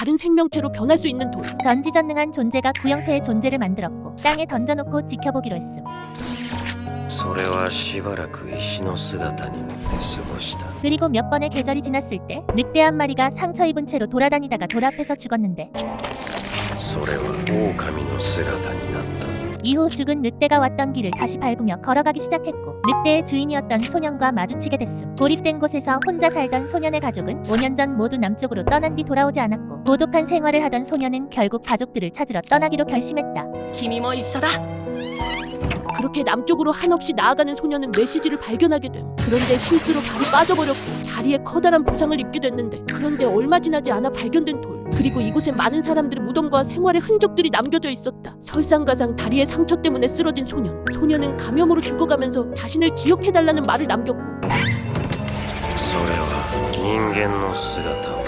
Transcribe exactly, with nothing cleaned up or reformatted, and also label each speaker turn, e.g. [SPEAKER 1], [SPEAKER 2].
[SPEAKER 1] 다른 생명체로 변할 수 있는 돌.
[SPEAKER 2] 전지전능한 존재가 구형태의 존재를 만들었고 땅에 던져놓고 지켜보기로 했음.
[SPEAKER 3] それはしばらく石の姿になって過ごした。
[SPEAKER 2] 그리고 몇 번의 계절이 지났을 때 늑대 한 마리가 상처 입은 채로 돌아다니다가 돌 앞에서 죽었는데
[SPEAKER 3] それは狼の姿になった。
[SPEAKER 2] 이후 죽은 늑대가 왔던 길을 다시 밟으며 걸어가기 시작했고 늑대의 주인이었던 소년과 마주치게 됐음. 고립된 곳에서 혼자 살던 소년의 가족은 오 년 전 모두 남쪽으로 떠난 뒤 돌아오지 않았고 고독한 생활을 하던 소년은 결국 가족들을 찾으러 떠나기로 결심했다.
[SPEAKER 4] 君も一緒だ。
[SPEAKER 1] 그렇게 남쪽으로 한없이 나아가는 소녀는 메시지를 발견하게 됨. 그런데 실수로 발이 빠져버렸고 다리에 커다란 부상을 입게 됐는데, 그런데 얼마 지나지 않아 발견된 돌, 그리고 이곳에 많은 사람들의 무덤과 생활의 흔적들이 남겨져 있었다. 설상가상 다리의 상처 때문에 쓰러진 소년. 소녀는 감염으로 죽어가면서 자신을 기억해달라는 말을 남겼고
[SPEAKER 3] それは人間の姿を